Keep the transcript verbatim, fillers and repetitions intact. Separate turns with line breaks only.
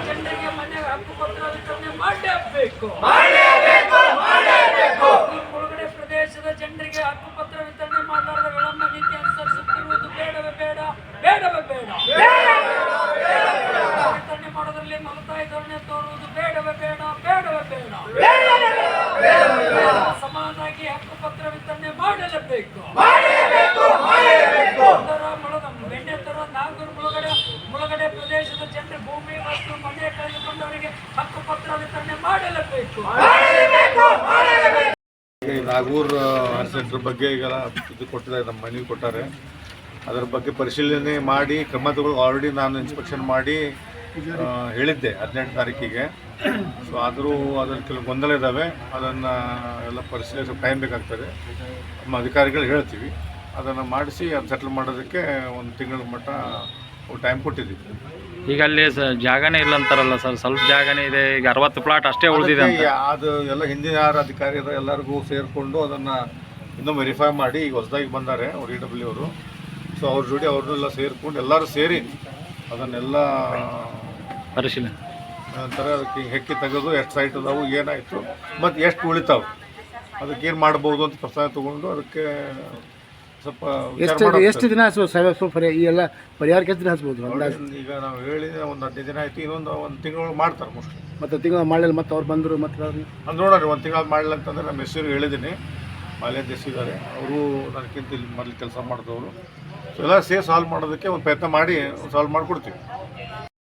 ಜನರಿಗೆ ಮನೆ ಹಕ್ಕುಪತ್ರ ವಿತರಣೆ ಮಾಡಲೇಬೇಕು. ಮುಳುಗಡೆ ಪ್ರದೇಶದ ಜನರಿಗೆ ಹಕ್ಕುಪತ್ರ ವಿತರಣೆ ಮಾಡಲಾರದ ವಿಳಂಬ ನೀತಿ ಅನುಸರಿಸುತ್ತಿರುವುದು ಬೇಡವೇ ಬೇಡ ಬೇಡವೇ ಬೇಡ ವಿತರಣೆ ಮಾಡೋದ್ರಲ್ಲಿ ಮಮತಾಯಿ ಧೋರಣೆ ತೋರುವುದು ಬೇಡವೇ ಬೇಡ ಬೇಡವೇ ಬೇಡ ಸಮಾನವಾಗಿ ಹಕ್ಕುಪತ್ರ ವಿತರಣೆ ಮಾಡಲೇಬೇಕು. ಬೆಣ್ಣೆತರ ನಾಗೂರು ಮುಳುಗಡೆ ಮುಳುಗಡೆ ಪ್ರದೇಶದ ಜನರ ಭೂಮಿ ಮತ್ತು ಮನೆ ಕಳೆದುಕೊಂಡವರಿಗೆ ಹಕ್ಕುಪತ್ರ ವಿತರಣೆ ಮಾಡಲೇಬೇಕು.
ನಾಗೂರ್ ಸೆಂಟರ್ ಬಗ್ಗೆ ಈಗ ಇದು ಕೊಟ್ಟಿದ್ದಾರೆ, ನಮ್ಮ ಮನವಿ ಕೊಟ್ಟಾರೆ. ಅದರ ಬಗ್ಗೆ ಪರಿಶೀಲನೆ ಮಾಡಿ ಕ್ರಮ ತಗೊಳ್ಳಿ. ಆಲ್ರೆಡಿ ನಾನು ಇನ್ಸ್ಪೆಕ್ಷನ್ ಮಾಡಿ ಹೇಳಿದ್ದೆ ಹದಿನೆಂಟು ತಾರೀಕಿಗೆ. ಸೊ ಆದರೂ ಅದನ್ನು ಕೆಲವು ಗೊಂದಲ ಇದ್ದಾವೆ, ಅದನ್ನು ಎಲ್ಲ ಪರಿಶೀಲಿಸಿ ಟೈಮ್ ಬೇಕಾಗ್ತದೆ. ನಮ್ಮ ಅಧಿಕಾರಿಗಳು ಹೇಳ್ತೀವಿ, ಅದನ್ನು ಮಾಡಿಸಿ ಅದು ಸೆಟ್ಲ್ ಮಾಡೋದಕ್ಕೆ ಒಂದು ತಿಂಗಳ ಮಟ್ಟ ಟೈಮ್ ಕೊಟ್ಟಿದ್ದೀವಿ.
ಈಗ ಅಲ್ಲಿ ಜಾಗನೇ ಇಲ್ಲ ಅಂತಾರಲ್ಲ ಸರ್, ಸ್ವಲ್ಪ ಜಾಗನೇ ಇದೆ. ಈಗ ಅರವತ್ತು ಪ್ಲಾಟ್ ಅಷ್ಟೇ ಉಳಿದಿದೆ.
ಅದು ಎಲ್ಲ ಹಿಂದಿನ ಯಾರು ಅಧಿಕಾರಿ ಎಲ್ಲರಿಗೂ ಸೇರಿಕೊಂಡು ಅದನ್ನು ಇನ್ನೂ ವೆರಿಫೈ ಮಾಡಿ ಈಗ ಹೊಸದಾಗಿ ಬಂದ್ದಾರೆ ಅವ್ರು ಇ ಡಬ್ಲ್ಯೂ ಅವರು. ಸೊ ಅವ್ರ ಜೋಡಿ ಅವ್ರನ್ನೆಲ್ಲ ಸೇರಿಕೊಂಡು ಎಲ್ಲರೂ ಸೇರಿ ಅದನ್ನೆಲ್ಲ
ಪರಿಶೀಲನೆ
ನಂತರ ಅದಕ್ಕೆ ಹೆಕ್ಕಿ ತೆಗೆದು ಎಷ್ಟು ಸೈಟ್ ಅದಾವು, ಏನಾಯಿತು ಮತ್ತು ಎಷ್ಟು ಉಳಿತಾವೆ, ಅದಕ್ಕೆ ಏನು ಮಾಡ್ಬೋದು ಅಂತ ಪ್ರಸ್ತಾವ ತೊಗೊಂಡು ಅದಕ್ಕೆ ಸ್ವಲ್ಪ
ಎಷ್ಟು ಎಷ್ಟು ದಿನ ಹಚ್ಬೋದು ಈ ಎಲ್ಲ ಪರಿಹಾರಕ್ಕೆ ಎಷ್ಟು ದಿನ ಹಚ್ಬೋದು?
ಈಗ ನಾವು ಹೇಳಿ ಒಂದು ಹದಿನೈದು ದಿನ ಆಯಿತು, ಇನ್ನೊಂದು ಒಂದು ತಿಂಗಳು ಮಾಡ್ತಾರೆ ಮೋಸ್ಟ್ಲಿ.
ಮತ್ತು ತಿಂಗಳು ಮಾಡಲಿಲ್ಲ ಮತ್ತು ಅವ್ರು ಬಂದರು ಮತ್ತು
ಅದು ನೋಡೋಣ. ಒಂದು ತಿಂಗಳು ಮಾಡಲಿಲ್ಲ ಅಂತಂದರೆ ನಮ್ಮ ಹೆಸರು ಹೇಳಿದ್ದೀನಿ, ಮಾಲ್ಯ ದೇಶಿದ್ದಾರೆ ಅವರು ನನಗಿಂತ ಇಲ್ಲಿ ಮೊದಲು ಕೆಲಸ ಮಾಡಿದವರು. ಸೊ ಎಲ್ಲ ಸೇರಿ ಸಾಲ್ವ್ ಮಾಡೋದಕ್ಕೆ ಒಂದು ಪ್ರಯತ್ನ ಮಾಡಿ ಸಾಲ್ವ್ ಮಾಡಿಕೊಡ್ತೀವಿ.